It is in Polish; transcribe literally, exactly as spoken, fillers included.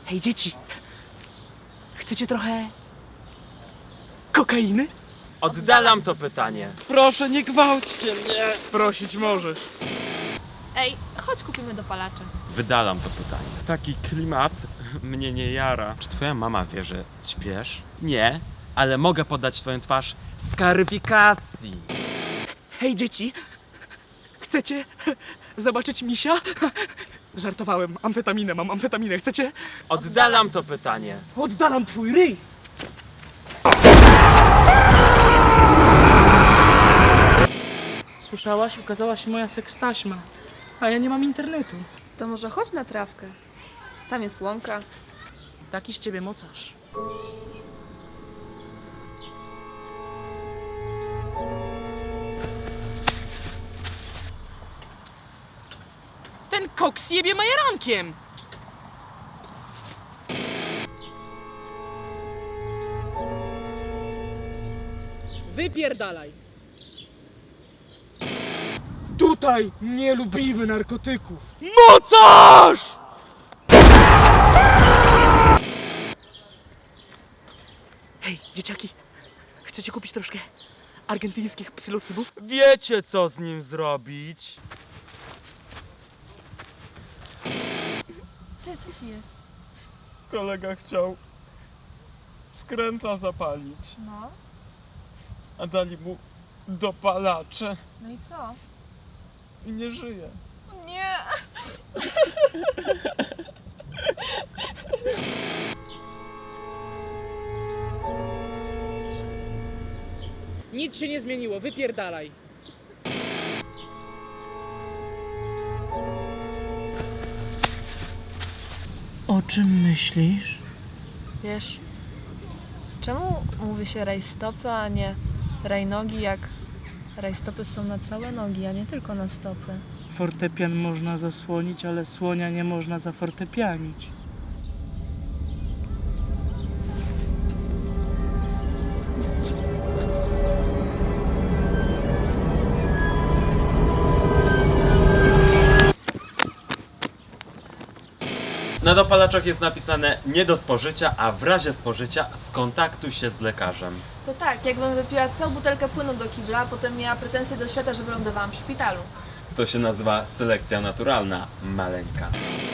Hej, dzieci! Chcecie trochę kokainy? Oddalam to pytanie. Proszę, nie gwałćcie mnie! Prosić możesz. Ej, chodź kupimy dopalacze. Wydalam to pytanie. Taki klimat mnie nie jara. Czy twoja mama wie, że śpiesz? Nie, ale mogę podać twoją twarz skaryfikacji. Hej, dzieci! Chcecie zobaczyć misia? Żartowałem. Amfetaminę mam, amfetaminę. Chcecie? Oddalam to pytanie. Oddalam twój ryj! Słyszałaś? Ukazała się moja sekstaśma. A ja nie mam internetu. To może chodź na trawkę. Tam jest łąka. Taki z ciebie mocarz. Ten koks jebie majerankiem! Wypierdalaj! Tutaj nie lubimy narkotyków! Mocarz! Hej, dzieciaki! Chcecie kupić troszkę argentyńskich psylocybów? Wiecie, co z nim zrobić? Ty, co ci jest? Kolega chciał skręta zapalić, No, a dali mu dopalacze no i co? i nie żyje. Nie! Nic się nie zmieniło, wypierdalaj! O czym myślisz? Wiesz, czemu mówi się rajstopy, a nie rajnogi, jak rajstopy są na całe nogi, a nie tylko na stopy? Fortepian można zasłonić, ale słonia nie można zafortepianić. Na dopalaczach jest napisane nie do spożycia, a w razie spożycia skontaktuj się z lekarzem. To tak, jakbym wypiła całą butelkę płynu do kibla, a potem miała pretensje do świata, że wylądowałam w szpitalu. To się nazywa selekcja naturalna, maleńka.